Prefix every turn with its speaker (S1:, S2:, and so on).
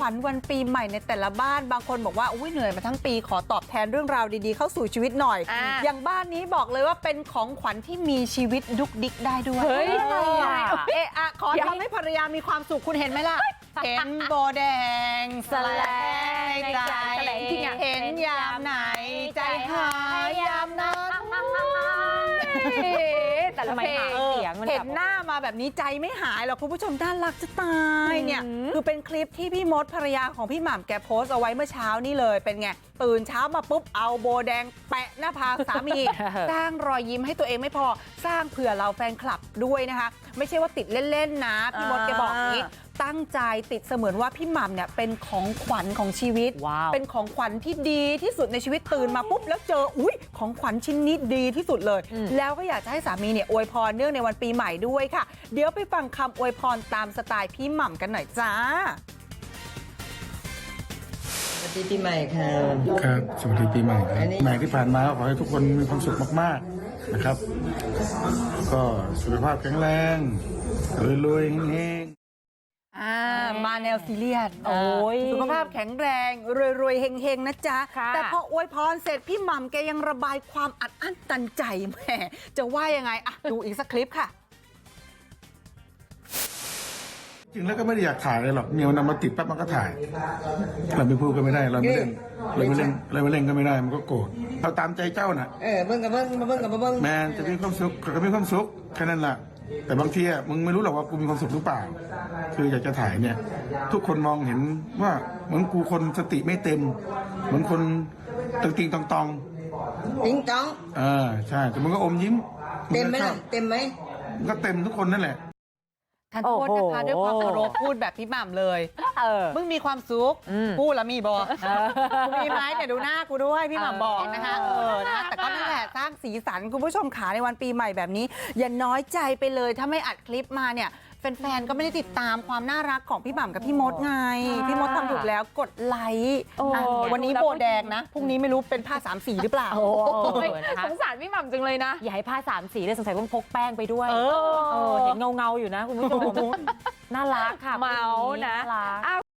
S1: ญวันปีใหม่ในแต่ละบ้านบางคนบอกว่าอุ้ยเหนื่อยมาทั้งปีขอตอบแทนเรื่องราวดีๆเข้าสู่ชีวิตหน่อยอย่างบ้านนี้บอกเลยว่าเป็นของขวัญที่มีชีวิตดุกดิกได้ด้วยเฮ้ยขอทำให้ภรรยามีความสุขคุณเห็นไหมล่ะเห็นโบแดงแสลงใจเห็นยามไหนใจหายยามนั้นแต่ละเพลงเห็นหน้ามาแบบนี้ใจไม่หายหรอกคุณผู้ชมน่ารักจะตายเนี่ยคือเป็นคลิปที่พี่มดภรรยาของพี่หม่ำแกโพสต์เอาไว้เมื่อเช้านี่เลยเป็นไงตื่นเช้ามาปุ๊บเอาโบแดงแปะหน้าผากสามี สร้างรอยยิ้มให้ตัวเองไม่พอสร้างเผื่อเราแฟนคลับด้วยนะคะไม่ใช่ว่าติดเล่นๆนะพี่มดแกบอกนี้ตั้งใจติดเสมือนว่าพี่หม่ำเนี่ยเป็นของขวัญของชีวิต เป็นของขวัญที่ดีที่สุดในชีวิตตื่นมาปุ๊บแล้วเจออุ๊ยของขวัญชิ้นนี้ดีที่สุดเลยแล้วก็อยากจะให้สามีเนี่ยอวยพรเนื่องในวันปีใหม่ด้วยค่ะเดี๋ยวไปฟังคำอวยพรตามสไตล์พี่หม่ำกันหน่อยจ้า
S2: สวัสดีปีใหม่ค่ะ
S3: ครับสวัสดีปีใหม่ครับใหม่ที่ผ่านมาขอให้ทุกคนมีความสุขมากๆนะครับก็สุขภาพแข็งแรงรวยๆเฮง
S1: มาแนวซีเรียสสุขภาพแข็งแรงรวยๆเฮงๆนะจ๊ะแต่พออวยพรเสร็จพี่หม่ำแกยังระบายความอัดอั้นตันใจแหมจะว่ายังไงอะดูอีกสักคลิปค่ะ
S3: จริงแล้วก็ไม่ได้อยากถ่ายเลยหรอกเมียนำมาติดปั๊บมันก็ถ่ายเราไม่พูดก็ไม่ได้เราไม่เล่นเราไม่เล่นก็ไม่ได้มันก็โกรธเอาตามใจเจ้าน่ะ
S2: เบิ้งกับเบิ้งมาเบิ้งกับมาเบิ้ง
S3: แมนจะมีความสุขก็มีความสุขแค่นั้นแหละแต่บางทีมึงไม่รู้หรอกว่ากูมีความสุขหรือเปล่าคืออยากจะถ่ายเนี่ยทุกคนมองเห็นว่าเหมือนกูคนสติไม่เต็มเหมือนคนติงตอง
S2: ติงตอง
S3: ใช่แต่มึงก็อมยิ้ม
S2: เต็มไหมล่ะเต็มไหม
S3: ก็เต็มทุกคนนั่นแหละ
S1: ท่านโทษนะคะด้วยความเคารพพูดแบบพี่หม่ำเลยมึงมีความสุขพูดแล้วมีบอกมีไหมเนี่ยดูหน้ากูด้วยพี่หม่ำบอกนะคะนะแต่ก็นั่นแหละสร้างสีสันคุณผู้ชมขาในวันปีใหม่แบบนี้อย่าน้อยใจไปเลยถ้าไม่อัดคลิปมาเนี่ยแฟนๆก็ไม่ได้ติดตามความน่ารักของพี่หม่ำกับพี่มดไงพี่มดทำถูกแล้วกดไลค์วันนี้โบแดงนะพรุ่งนี้ไม่รู้เป็นผ้า3 สีหรือเปล่า
S4: สงสารพี่หม่ำจังเลยนะอย่าให้ผ้า3 สีเลยสงสัยต้องพกแป้งไปด้วยเห็นเงาอยู่นะคุณผู้ชมน่ารักค่ะ
S1: เมานะ